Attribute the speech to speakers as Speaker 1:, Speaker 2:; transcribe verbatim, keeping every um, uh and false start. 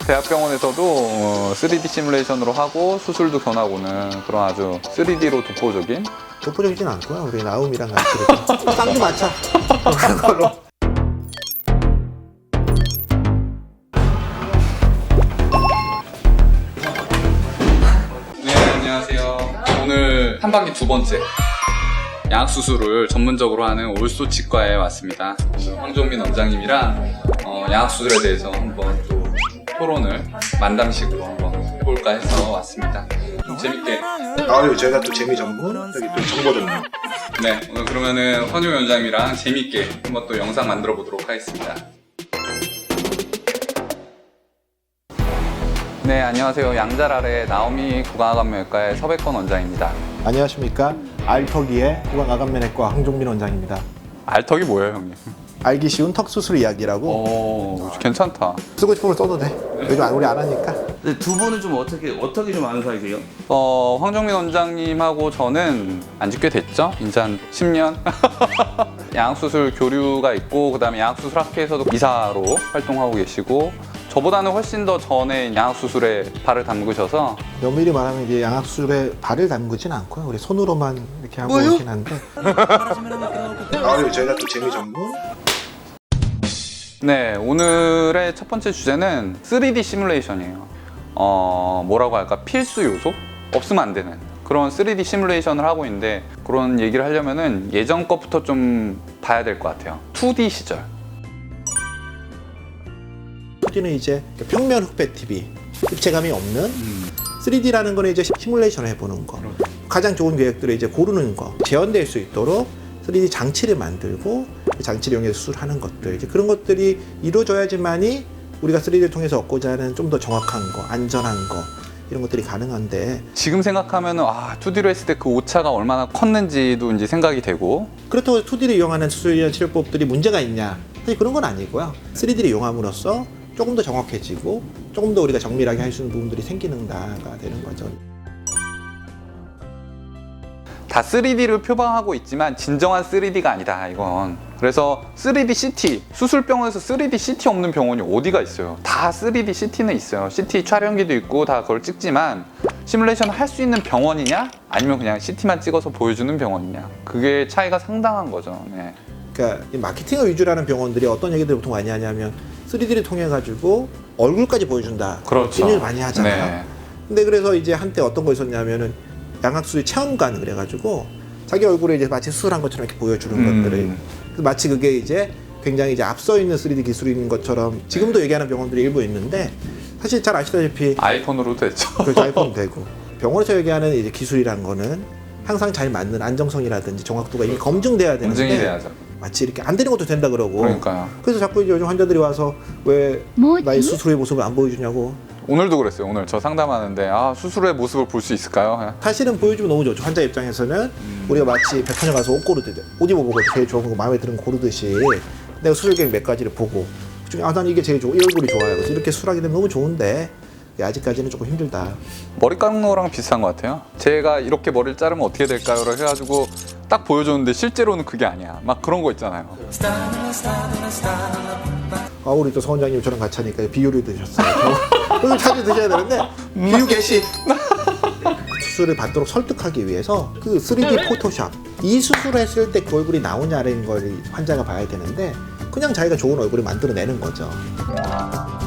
Speaker 1: 대학병원에서도 어, 쓰리디 시뮬레이션으로 하고 수술도 견하고는 그런 아주 쓰리디로 독보적인
Speaker 2: 독보적이진 않고요. 우리 나움이랑 같이 이렇게 쌍도 맞춰 그런 걸로.
Speaker 1: 네, 안녕하세요. 오늘 한 반기 두 번째 양악수술을 전문적으로 하는 올소 치과에 왔습니다. 황종민 원장님이랑 어, 양악수술에 대해서 한번 또 토론을 만담식으로 한번 해볼까 해서 왔습니다. 좀 재밌게.
Speaker 2: 아유, 저희가 또 재미 전문, 여기 또 정보 전문.
Speaker 1: 네, 오늘 그러면은 황종민 원장님이랑 재밌게 한번 또 영상 만들어 보도록 하겠습니다. 네, 안녕하세요. 양잘 아래 나오미 구강암외과의 서백권 원장입니다.
Speaker 2: 안녕하십니까. 알턱이의 구강아간면외과 황종민 원장입니다.
Speaker 1: 알턱이 뭐예요, 형님?
Speaker 2: 알기 쉬운 턱 수술 이야기라고.
Speaker 1: 오, 괜찮다.
Speaker 2: 쓰고 싶으면 써도 돼. 요즘 우리 안 하니까.
Speaker 3: 근데 두 분은 좀 어떻게 어떻게 좀 아는 사이세요?
Speaker 1: 어, 황종민 원장님하고 저는 안지 꽤 됐죠? 이제 한 십 년? 양악수술 교류가 있고, 그 다음에 양악수술 학회에서도 이사로 활동하고 계시고, 저보다는 훨씬 더 전에 양악수술에 발을 담그셔서.
Speaker 2: 면밀히 말하면 이제 양악수술에 발을 담그진 않고요. 우리 손으로만 이렇게 하고
Speaker 3: 뭐요?
Speaker 2: 있긴 한데. 아유, 저희가 또 재미 전문.
Speaker 1: 네, 오늘의 첫 번째 주제는 쓰리디 시뮬레이션이에요. 어, 뭐라고 할까? 필수 요소? 없으면 안 되는 그런 쓰리디 시뮬레이션을 하고 있는데, 그런 얘기를 하려면은 예전 것부터 좀 봐야 될 것 같아요. 투디 시절.
Speaker 2: 투디는 이제 평면 흑백 티비, 입체감이 없는 쓰리디라는 거는 이제 시뮬레이션을 해보는 거. 가장 좋은 계획들을 이제 고르는 거, 재현될 수 있도록 쓰리디 장치를 만들고 그 장치를 이용해서 수술하는 것들, 이제 그런 것들이 이루어져야지만이 우리가 쓰리디를 통해서 얻고자 하는 좀 더 정확한 거, 안전한 거, 이런 것들이 가능한데,
Speaker 1: 지금 생각하면은 아, 투디로 했을 때 그 오차가 얼마나 컸는지도 이제 생각이 되고.
Speaker 2: 그렇다고 투디를 이용하는 수술이나 치료법들이 문제가 있냐? 사실 그런 건 아니고요. 쓰리디를 이용함으로써 조금 더 정확해지고 조금 더 우리가 정밀하게 할 수 있는 부분들이 생기는다가 되는 거죠.
Speaker 1: 다 쓰리디를 표방하고 있지만 진정한 쓰리디가 아니다, 이건. 그래서 쓰리디 씨티, 수술병원에서 쓰리디 씨티 없는 병원이 어디가 있어요. 다 쓰리디 씨티는 있어요. 씨티 촬영기도 있고 다 그걸 찍지만, 시뮬레이션 할 수 있는 병원이냐, 아니면 그냥 씨티만 찍어서 보여주는 병원이냐, 그게 차이가 상당한 거죠. 네.
Speaker 2: 그러니까 이 마케팅을 위주로 하는 병원들이 어떤 얘기들을 보통 많이 하냐면 쓰리디를 통해 가지고 얼굴까지 보여준다.
Speaker 1: 그렇죠.
Speaker 2: 이런 얘기를 많이 하잖아요.
Speaker 1: 네.
Speaker 2: 근데 그래서 이제 한때 어떤 거 있었냐면은 양악수술 체험관 그래가지고 자기 얼굴에 이제 마치 수술한 것처럼 이렇게 보여주는
Speaker 1: 음.
Speaker 2: 것들을, 마치 그게 이제 굉장히 이제 앞서 있는 쓰리디 기술인 것처럼 지금도 얘기하는 병원들이 일부 있는데, 사실 잘 아시다시피
Speaker 1: 아이폰으로도 됐죠.
Speaker 2: 그 아이폰 되고, 병원에서 얘기하는 이제 기술이란 거는 항상 잘 맞는 안정성이라든지 정확도가 이미 검증돼야 되는데,
Speaker 1: 검증이 돼야죠.
Speaker 2: 마치 이렇게 안 되는 것도 된다 그러고.
Speaker 1: 그러니까요.
Speaker 2: 그래서 자꾸 이제 요즘 환자들이 와서 왜
Speaker 4: 뭐지?
Speaker 2: 나의 수술의 모습을 안 보여주냐고.
Speaker 1: 오늘도 그랬어요. 오늘 저 상담하는데 아, 수술의 모습을 볼 수 있을까요?
Speaker 2: 사실은 보여주면 너무 좋죠. 환자 입장에서는
Speaker 1: 음.
Speaker 2: 우리가 마치 백화점 가서 옷 고르듯이, 옷 입어보고 제일 좋은 거 마음에 드는 거 고르듯이 내가 수술 계획 몇 가지를 보고 그중에 아, 난 이게 제일 좋고 이 얼굴이 좋아요. 그래서 이렇게 수술하게 되면 너무 좋은데 아직까지는 조금 힘들다.
Speaker 1: 머리 깎는 거랑 비슷한 것 같아요. 제가 이렇게 머리를 자르면 어떻게 될까요? 라고 해가지고 딱 보여줬는데 실제로는 그게 아니야. 막 그런 거 있잖아요.
Speaker 2: 아, 우리 또 서 원장님 저랑 같이 하니까 비유를 드셨어요. 오늘 자주 드셔야 되는데 비유 개시. 수술을 받도록 설득하기 위해서 그 쓰리디 포토샵, 이 수술을 했을 때 그 얼굴이 나오냐는 걸 환자가 봐야 되는데 그냥 자기가 좋은 얼굴을 만들어내는 거죠.